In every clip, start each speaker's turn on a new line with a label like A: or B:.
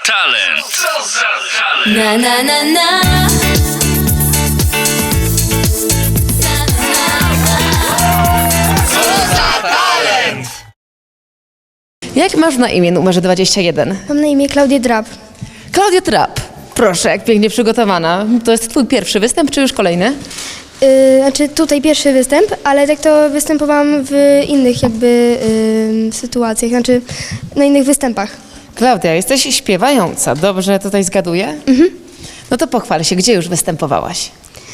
A: talent? Co za talent?
B: Na na na na.
C: Jak masz na imię numerze 21?
D: Mam na imię Klaudia Drab.
C: Klaudia Trapp. Proszę, jak pięknie przygotowana. To jest twój pierwszy występ, czy już kolejny?
D: Znaczy tutaj pierwszy występ, ale tak to występowałam w innych jakby sytuacjach, znaczy na innych występach.
C: Klaudia, jesteś śpiewająca. Dobrze tutaj zgaduję? No to pochwal się, gdzie już występowałaś?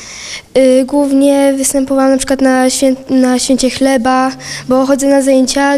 D: Głównie występowałam na przykład na Święcie Chleba, bo chodzę na zajęcia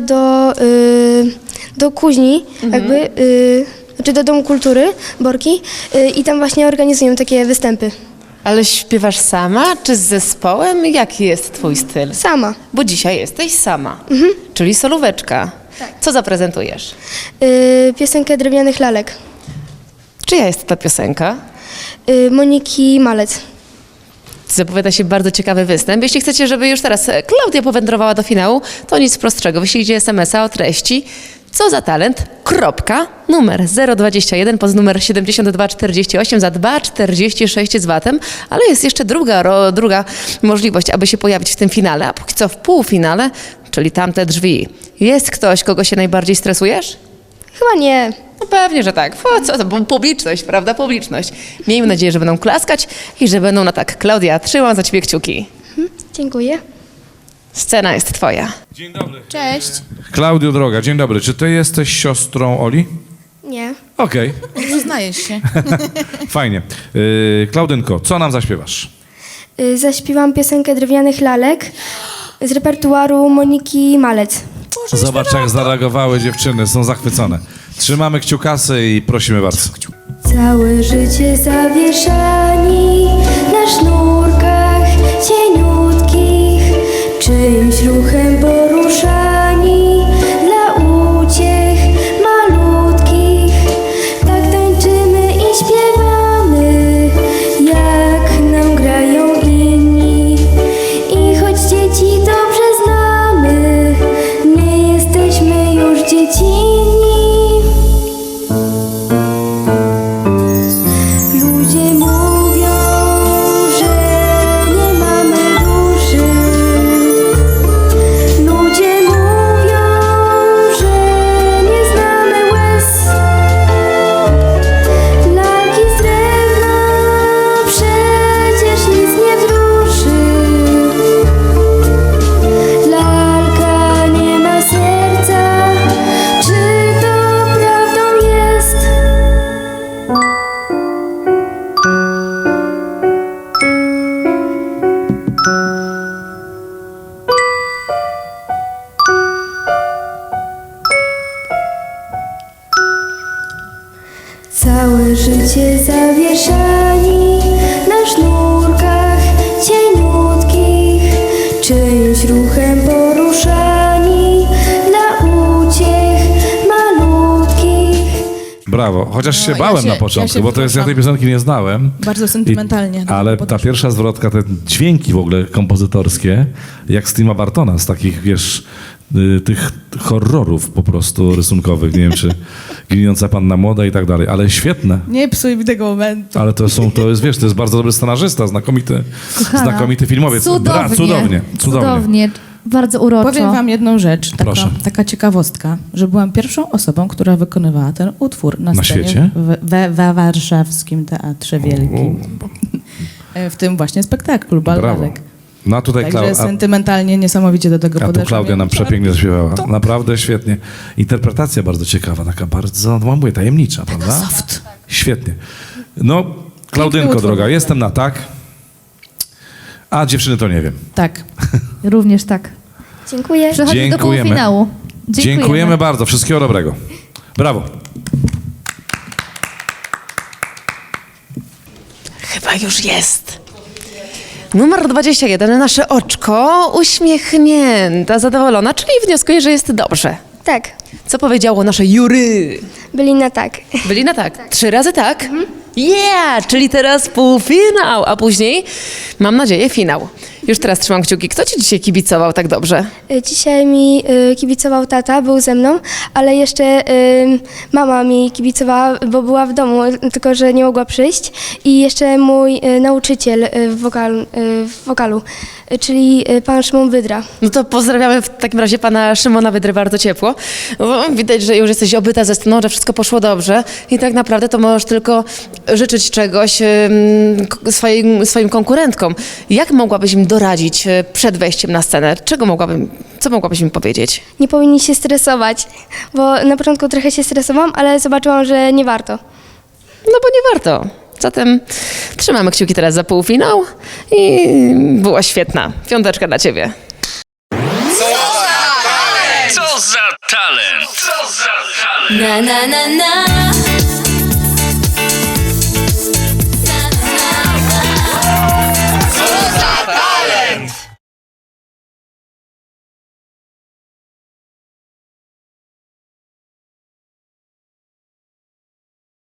D: do kuźni, jakby, znaczy do Domu Kultury Borki i tam właśnie organizują takie występy.
C: Ale śpiewasz sama, czy z zespołem? Jaki jest twój styl?
D: Sama.
C: Bo dzisiaj jesteś sama, czyli solóweczka.
D: Tak.
C: Co zaprezentujesz?
D: Piosenkę Drewnianych Lalek.
C: Czyja jest ta piosenka?
D: Moniki Malec.
C: Zapowiada się bardzo ciekawy występ. Jeśli chcecie, żeby już teraz Klaudia powędrowała do finału, to nic prostszego. Wyślijcie SMS-a o treści co za talent, kropka, numer 021 pod numer 7248 za 2,46 z VAT-em, ale jest jeszcze druga możliwość, aby się pojawić w tym finale, a póki co w półfinale, czyli tamte drzwi. Jest ktoś, kogo się najbardziej stresujesz?
D: Chyba nie.
C: No pewnie, że tak. Co to? Publiczność, prawda? Publiczność. Miejmy nadzieję, że będą klaskać i że będą na tak. Klaudia, trzymam za ciebie kciuki.
D: Dziękuję.
C: Scena jest twoja.
E: Dzień dobry.
F: Cześć.
E: Klaudio droga, dzień dobry. Czy ty jesteś siostrą Oli?
D: Nie.
E: Okej,
F: Przyznajesz się.
E: fajnie. Klaudynko, co nam zaśpiewasz?
D: Zaśpiewam piosenkę Drewnianych Lalek z repertuaru Moniki Malec.
E: Zobacz, jak zareagowały dziewczyny, są zachwycone. Trzymamy kciukasy i prosimy bardzo.
D: Całe życie zawieszani na sznurkach cieniutkich, czyimś ruchem poruszani dla uciech malutkich. Tak tańczymy i śpiewamy, jak nam grają inni. I choć dzieci dobrze znamy, nie jesteśmy już dziecinni. Ludzie mówią, że nie mamy duszy. Ludzie mówią, że nie znamy łez. Lalki z drewna przecież nic nie wzruszy. Lalka nie ma serca, czy to prawdą jest? Całe życie zawieszani na sznurkach cieniutkich, czyimś ruchem poruszani dla uciech malutkich.
E: Brawo, chociaż się
F: ja
E: bałem
F: się-
E: na początku,
F: ja się
E: bo to jest, ja tej
F: wzruszam.
E: piosenki nie znałem.
F: Bardzo sentymentalnie.
E: Ale ta pierwsza zwrotka, te dźwięki w ogóle kompozytorskie, jak z Tima Bartona, z takich, wiesz, tych horrorów po prostu rysunkowych, nie wiem, czy Giniąca Panna Młoda i tak dalej, ale świetne.
F: Nie psuj mi tego momentu.
E: Ale to jest, wiesz, to jest bardzo dobry scenarzysta, znakomity filmowiec. Cudownie.
G: Cudownie. Bardzo uroczo.
F: Powiem wam jedną rzecz,
E: Proszę.
F: taka ciekawostka, że byłam pierwszą osobą, która wykonywała ten utwór na scenie
E: świecie?
F: we Warszawskim Teatrze Wielkim. W tym właśnie spektaklu
E: Brawo.
F: Ballalek.
E: No a tutaj
F: Także sentymentalnie niesamowicie do tego
E: A tu
F: podeszłam.
E: Klaudia nam przepięknie zaśpiewała. Naprawdę świetnie. Interpretacja bardzo ciekawa, taka bardzo, no mówię, tajemnicza, prawda?
F: Soft.
E: Świetnie. No, Klaudynko
F: utwór.
E: droga, jestem na tak, a dziewczyny to nie wiem.
F: Tak.
G: Również tak.
D: Dziękuję.
G: Przechodzimy do
E: Dziękujemy.
G: półfinału.
E: Dziękujemy bardzo. Wszystkiego dobrego. Brawo.
C: Chyba już jest. Numer 21, nasze oczko, uśmiechnięta, zadowolona, czyli wnioskuje, że jest dobrze.
D: Tak,
C: Co powiedziało nasze jury?
D: byli na tak.
C: Byli na tak. 3 razy tak? Yeah! Czyli teraz półfinał, a później, mam nadzieję, finał. Już teraz trzymam kciuki. Kto ci dzisiaj kibicował tak dobrze?
D: Dzisiaj mi kibicował tata, był ze mną, ale jeszcze mama mi kibicowała, bo była w domu, tylko że nie mogła przyjść. I jeszcze mój nauczyciel w wokalu, czyli pan Szymon Wydra.
C: No to pozdrawiamy w takim razie pana Szymona Wydry bardzo ciepło. Bo widać, że już jesteś obyta ze sceną, że wszystko poszło dobrze i tak naprawdę to możesz tylko życzyć czegoś swoim konkurentkom. Jak mogłabyś im doradzić przed wejściem na scenę? Co mogłabyś im powiedzieć?
D: Nie powinni się stresować, bo na początku trochę się stresowałam, ale zobaczyłam, że nie warto.
C: No bo nie warto. Zatem trzymamy kciuki teraz za półfinał i była świetna. 5 dla ciebie.
A: Co za talent! Co za talent!
B: Na na na na